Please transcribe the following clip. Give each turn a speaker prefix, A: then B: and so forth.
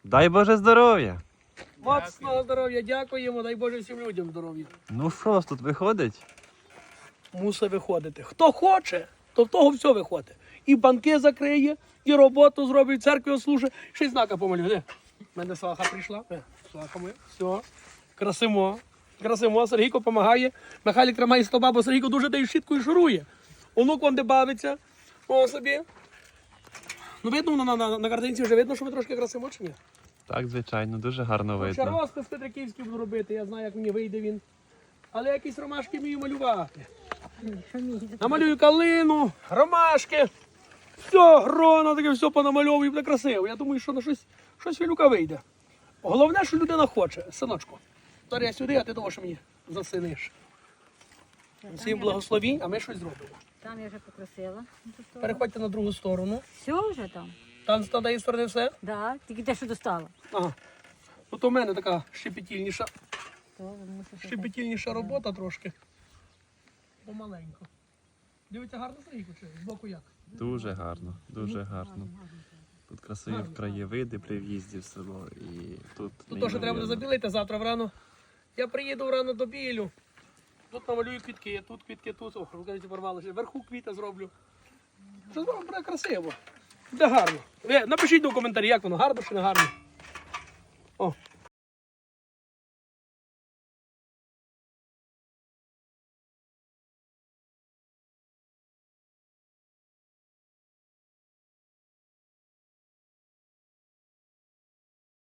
A: Дай Боже здоров'я.
B: Моцного здоров'я, дякуємо, дай Боже всім людям здоров'я.
A: Ну що ж тут виходить?
B: Мусить виходити. Хто хоче, то в того все виходить. І банки закриє, і роботу зробить, церкві ослужить. Ще й знака помалює. Де? У мене сваха прийшла. Сваха моя. Все. Красимо. Красимо. Сергійко допомагає. Михайлик тримає стоба, бо Сергійко дуже дає щіткою шурує. Онук вон де бавиться. О собі. Ну видно, на картинці вже видно, що ми трошки красимо чи ні?
A: Так, звичайно, дуже гарно
B: Ще
A: видно.
B: розпис Петриківський буду робити, я знаю, як мені вийде він. Але якісь ромашки вмію малювати. Намалюю калину, ромашки. Все, гроно, таке все понамальовую, буде красиво. Я думаю, що на щось Вілюка вийде. Головне, що людина хоче, синочку. Зараз я сюди, а ти того, що мені засиниш. Всім благословінь, а ми щось зробимо.
C: Там я вже покрасила.
B: Переходьте на другу сторону.
C: Все вже там?
B: Там з тієї сторони все.
C: Да, тільки те, що достала.
B: Ага. От у мене така щепетільніша.
C: То мусиш
B: Щепетільніша робота трошки. Помаленьку. Дивіться, гарно Сергійко, чи збоку як?
A: Дуже гарно, дуже гарно. Тут красиві краєвиди при в'їзді в село. І тут
B: Тут теж треба буде
A: неймовірно.
B: забілити завтра врано. Я приїду врано до білю. Тут намалюю квітки, тут квітки, тут. О, розкажіть, порвали ще. Вверху квіта зроблю. Що зроблю, буде красиво. Буде гарно. Ви напишіть у коментарі, як воно, гарно чи не гарно. О,